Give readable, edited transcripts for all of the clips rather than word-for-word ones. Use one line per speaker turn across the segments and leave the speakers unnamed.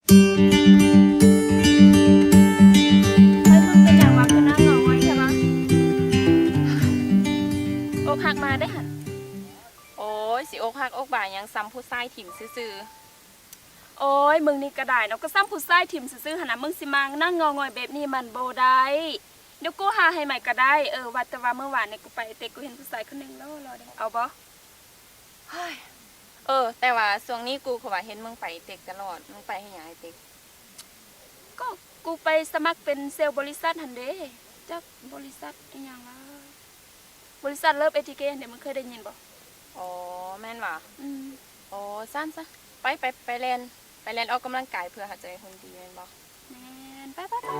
เฮ้ยมึงเป็นอย่างวะคือหน้าเงาไว้ใช่ปะอกหักมาได้หันโอ้ยสิอกหักอกบ่ายยังซ้ำผู้ชายถิ่มซื่อโอ้ยมึงนี่กระได้เนาะก็ซ้ำผู้ชายถิ่มซื่อหันนะมึงสิมานั่งงองอยแบบนี้มันโบได้เดี๋ยวกูหาให้ใหม่ก็ได้ว่าแต่ว่าเมื่อวานเนี่ยกูไปเตะกูเห็นผู้ชายคนหนึ่งแล้วรอเดี๋ยวเอาบ่เฮ้ยแต่ว่าช่วงนี้กูเขาว่าเห็นมึงไปเตะตลอดมึงไปให้หยังไอ้เตะก็กูไปสมัครเป็นเซลล์บริษัทหันเด้จากบริษัทอีหยังวะบริษัทเลิฟเอทีเคเดี๋ยวมึงเคยได้ยินบ่อ๋อแม่นว่ะอ๋อสั้นซะไปเล่นออกกำลังกายเพื่อหาใจคนดีแม่นบ่แม่น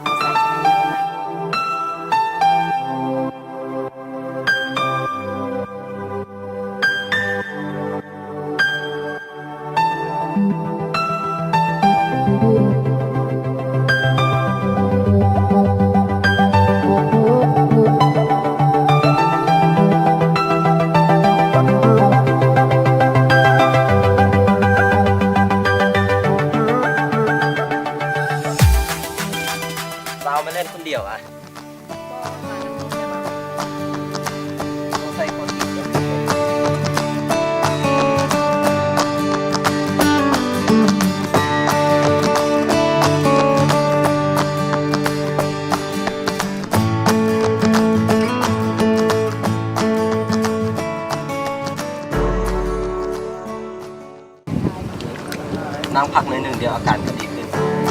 เรามาเล่นคนเดียวอ่ะต้องใส่คนอีกนั่งพักหนึ่งเดียวอาการก็ดีขึ้น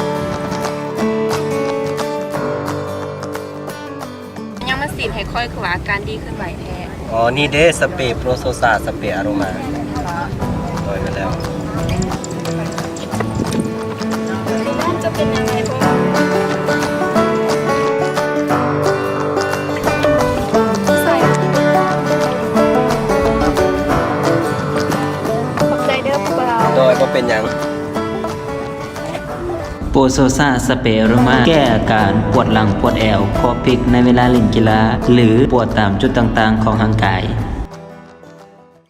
ยังมาสีดให้ค่อยคือว่าอาการดีขึ้นไหวแท้
อ๋อ นี่เด้สเปรย์โปรโซซาสเปรย์อารมาโดยไปแล้ว
จะเป็นยังไงพ่อใส่ขอบใจเด้อพวกเรา
โดยว่าเป็นหยัง
โปรโซซาสเปรย์อโรมาแก้อาการปวดหลังปวดแอวคอพลิกในเวลาเล่นกีฬาหรือปวดตามจุดต่างๆของร่างกาย